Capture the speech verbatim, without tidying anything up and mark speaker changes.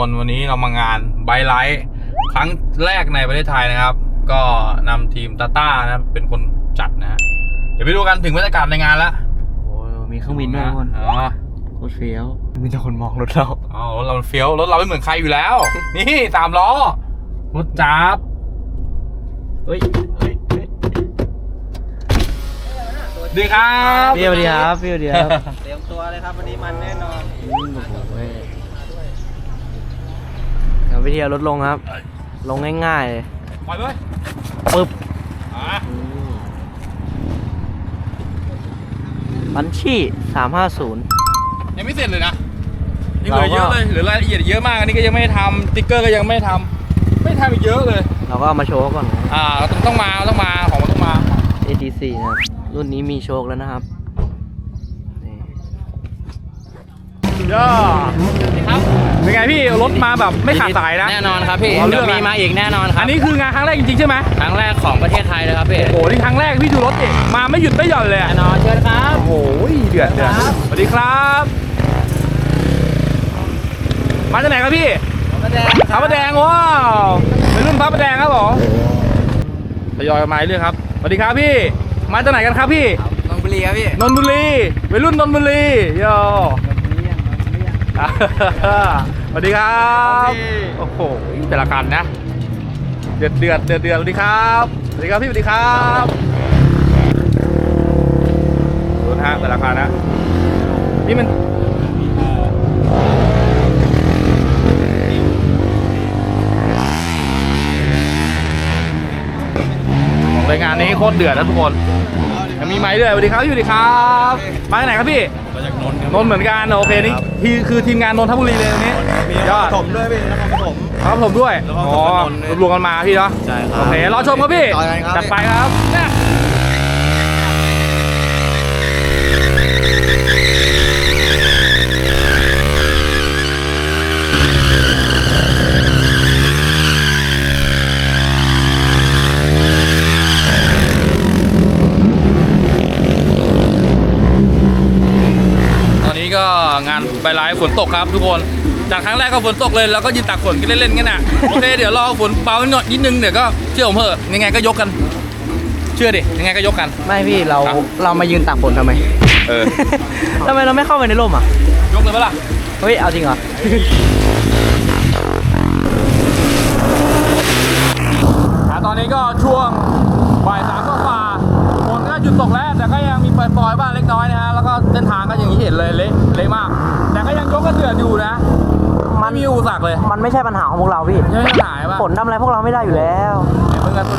Speaker 1: วันนี้เรามางานไบไลท์ครั้งแรกในประเทศไทยนะครับก็นำทีมตาต้านะเป็นคนจัดนะฮะเดี๋ยวไปดูกันถึงบรรยากาศในงานแล้ว
Speaker 2: โอ้มีเครื่องบินด้วยคน
Speaker 1: อ๋อ
Speaker 2: โคตรเฟี้ยวมีแต่คนมองรถเรา
Speaker 1: อ๋อรถเราเฟี้ยวรถเราไม่เหมือนใครอยู่แล้ว นี่สามล้อรถจับ
Speaker 2: เฮ้ย
Speaker 1: ดีครับ
Speaker 2: พี่สวัสดีครับพี่สวัสดีครับ
Speaker 3: เตรียมตัวเลยครับวันนี้มันแน่นอน
Speaker 2: โอ้โหเดี๋ยววิธีเอารถลงครับลงง่ายๆเลย
Speaker 1: ปล่อยเลย
Speaker 2: ปึ๊บ
Speaker 1: อ่ะ
Speaker 2: บัญชีสามห้าศูนย์
Speaker 1: ยังไม่เสร็จเลยนะยังเหลือเยอะเลยเหลือรายละเอียดเยอะมากอันนี้ก็ยังไม่ทำสติ๊กเกอร์ก็ยังไม่ทำไม่ทำอีกเยอะเลย
Speaker 2: เราก็เอามาโชว์ก่อน
Speaker 1: อ่าต้องต้องมาต้องมาของมันต้องมา
Speaker 2: เอ ที ซี นะครับรุ่นนี้มีโชคแล้วนะครับ
Speaker 1: ย่าครับเป็นไงพี่รถมาแบบไม่ขาดสายนะ
Speaker 3: แน่นอนครับพี่เดี๋ยวมีมาอีกแน่นอนครับ
Speaker 1: อันนี้คืองานครั้งแรกจริงๆใช่ไหม
Speaker 3: ครั้งแรกของประเทศไทยเลยครับพี่
Speaker 1: โอ้โหนี่ครั้งแรกพี่ดูรถเองมาไม่หยุดไม่หย่อนเลย
Speaker 3: แน่นอนเชิญครับ
Speaker 1: โอ้ยเดือดเดือดสวัสดีครับมาจากไหนครับพี่
Speaker 3: พระแดง
Speaker 1: พระประแดงว้าวเป็นรุ่นพระประแดงครับผมทยอยมาเรื่อยครับสวัสดีครับพี่มาจากไหนกันครับพี่
Speaker 3: นนทบุรีครับพี่
Speaker 1: นนทบุรีเป็นรุ่นนนทบุรีโย่สวัสดีครับโอ้โหแต่ละคันนะเดือดเดือดเดือดเดือดสวัสดีครับสวัสดีครับพี่สวัสดีครับดูนะฮะแต่ละคันนะนี่มันของรายงานนี้โคตรเดือดนะทุกคนยังมีไม้ด้วยสวัสดีครับพี่สวัสดีครับมาจากไหนครับพี่
Speaker 4: มาจากนนท์
Speaker 1: นนท์เหมือนกันโอเคนี่ที่คือทีมงานนนทบุรีเลยวันนี้
Speaker 4: ยอดผมด้วยพี่แล้วก็ผม
Speaker 1: ครับผมด้วยอ๋อรวมกันมาพี่เนาะ
Speaker 4: ใช่ครับ
Speaker 1: โอเครอชมครับพี่จัดไปครับเนี่ยก็งานไบไลท์ฝนตกครับทุกคนจากครั้งแรกก็ฝนตกเลยแล้วก็ยืนตากฝนกันเล่นๆกันน่ะโอเคเดี๋ยวรอฝนเบาหน่อยนิดนึงเดี๋ยวก็เชื่อผมเถอะยังไงก็ยกกันเชื่อดิยังไงก็ยกกัน
Speaker 2: ไม่พี่เราเรามายืนตากฝนทำไม
Speaker 1: เออ
Speaker 2: ทำไมเราไม่เข้าไปในร่มอ่ะ
Speaker 1: ยกเลยปะล่ะ
Speaker 2: เฮ้ยเอาจริงเหรอ
Speaker 1: ตอนนี้ก็ช่วงบ่ายสามก็ฝ่าฝนก็หยุดตกแล้วแต่ก็ยังมีปล่อยๆบ้างเล็กน้อยนะฮะแล้วก็เส้นทางก็อย่างที่เห็นเลยเละเละมากแต่ก็ยังยกกระเดือดอยู่นะมันมีอุปสรรคเลย
Speaker 2: มันไม่ใช่ปัญหาของพวกเราพี่
Speaker 1: ไม่ใช่ปัญหาป่ะ
Speaker 2: ฝนทำอะไรพวกเราไม่ได้อยู่แล้ว
Speaker 1: เพิ่งกัน